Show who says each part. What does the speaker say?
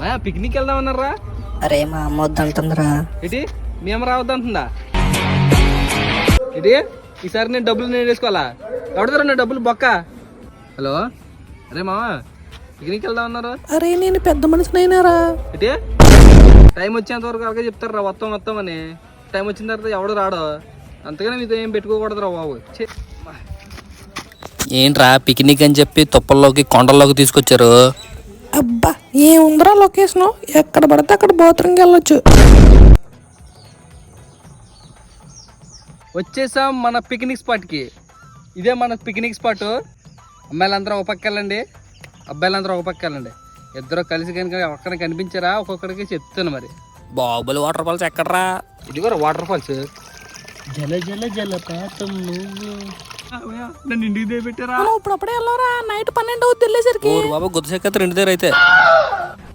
Speaker 1: Picnic వెళ్దామన్నారా?
Speaker 2: అరే మా అమ్మ వద్దంటుందిరా.
Speaker 1: ఏంటి మీ అమ్మ రావద్దంటుందా? ఏంటి ఈసారి నేను డబ్బులు నేను వేసుకోవాలా? ఎవడతారా నా డబ్బులు బొక్క? హలో అరే మామ పిక్నిక్ వెళ్దామన్నారు.
Speaker 2: అరే నేను పెద్ద మనిషినైనారా.
Speaker 1: ఏంటి టైం వచ్చేంత వరకు అలాగే చెప్తారా వస్తాం అని. టైం వచ్చిన తర్వాత ఎవడు రాడో. అంతగానే మీతో ఏం పెట్టుకోకూడదురా బాబు.
Speaker 3: ఏంట్రా పిక్నిక్ అని చెప్పి తుప్పల్లోకి కొండల్లోకి తీసుకొచ్చారు?
Speaker 2: అబ్బా ఏముందిరా లొకేషన్, ఎక్కడ పడితే అక్కడ బాత్రూమ్కి వెళ్ళొచ్చు.
Speaker 1: వచ్చేసాం మన పిక్నిక్ స్పాట్కి. ఇదే మన పిక్నిక్ స్పాట్. అమ్మాయిలందరూ ఒక పక్క వెళ్ళండి, అబ్బాయిలందరూ ఒక పక్క వెళ్ళండి. ఇద్దరు కలిసి కనుక ఒక్కడికి కనిపించారా ఒక్కొక్కడికి చెప్తాను. మరి
Speaker 3: బాహుబలి వాటర్ ఫాల్స్ ఎక్కడరా?
Speaker 1: ఇది కూడా వాటర్ ఫాల్స్.
Speaker 3: జల జల జలపాతం నువ్వు.
Speaker 1: నన్ను ఇంటికి దిగబెట్టారా?
Speaker 2: ఇప్పుడు అప్పుడే వెళ్ళవరా, నైట్ 12 అవుతుంది వెళ్ళేసరికి.
Speaker 3: బాబా గుద్దశేఖర్ ఇంటి దగ్గర అయితే